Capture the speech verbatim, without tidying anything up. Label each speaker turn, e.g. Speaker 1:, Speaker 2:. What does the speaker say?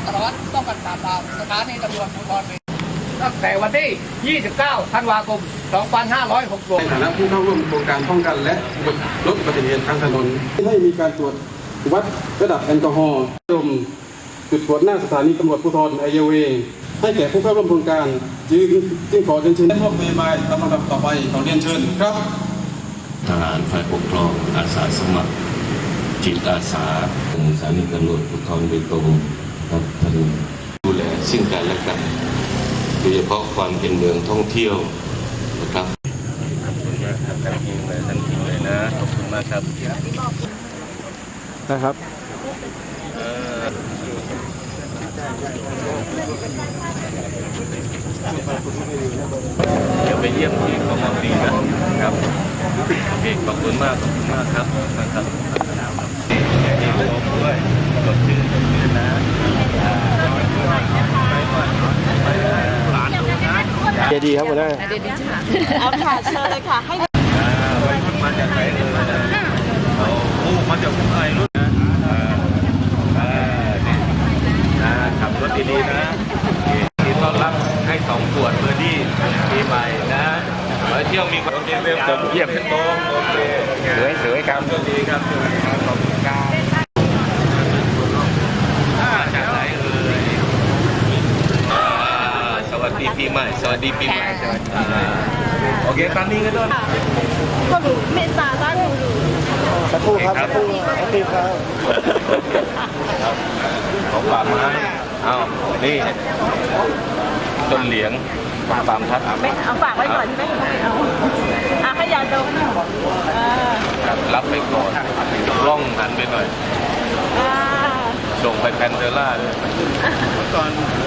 Speaker 1: สารวัตรป้องกันปราบปรามสถานีตำรวจภูธรตั้งแต่วันที่ ยี่สิบเก้า ธันวาคม สองพันห้าร้อยหกสิบ
Speaker 2: ในฐานะผู้เข้าร่วมโครงการป้องกันและลดอุบัติเหตุทางถนนให้มีการตรวจวัดระดับแอลกอฮอล์ดมจุดตรวจหน้าสถานีตำรวจภูธรไอเยเวให้แก่ผู้เข้าร่วมโครงการจึงจึงขอเชิญเชิญพวกนโยบายตามลำดับต่อไปขอเรียนเชิญครับ
Speaker 3: ทหารฝ่ายปกครองอาสาสมัครจิตอาสาสถานีตำรวจภูธรเบตงครับท่านดูแลซึ่งกันและกันโดยเฉพาะความเป็นเมืองท่องเที่ยวนะครับขอบคุณมากครับท่านทีมเลยท่านทีมเลยนะขอบคุณมากครับ
Speaker 2: นะครับ
Speaker 3: เดี๋ยวไปเยี่ยมที่กมดีนะครับโอเคขอบคุณมากขอบคุณมากครับนะครับที่ลมด้วยสดชื่นสดชื่นนะ
Speaker 2: เจดีครับหัวหน้า
Speaker 4: เอาค่ะเชิญเลยค่ะให้
Speaker 3: วัยรุ่นมาจากไหนเลยเราโอ้มาจากผู้ใหญ่รุ่นนะนะขับรถดีๆนะที่ต้อนรับให้สองขวดเบอร์ดี้ปีใหม่นะไปเที่ยวมีความเยี่ยมเยี่ยมขึ้นโต๊ะโอเคสวยสวยครับสวัสดีครับสวัสดีครับขอบคุณครับจากไหนเอ่ยสวัสดีปีใหม่สวัสดีปีใหม่สวัสดีโอเคตามนี้กันด้วย
Speaker 4: ก็รู้เมตตาบ้านรู้
Speaker 2: สักครู่ครับสักครู่สักครู่ครับ
Speaker 3: ของป่าไม้เอานี่ต้นเหลียงปามทัด
Speaker 4: ไม่เอาฝากไว้ก่อนไม่ไม่เอาอาขยาดม
Speaker 3: รับไปก่อนกล้องหันไปหน่อยส่งไปแพนเดล่าเลยเมื่อก่อน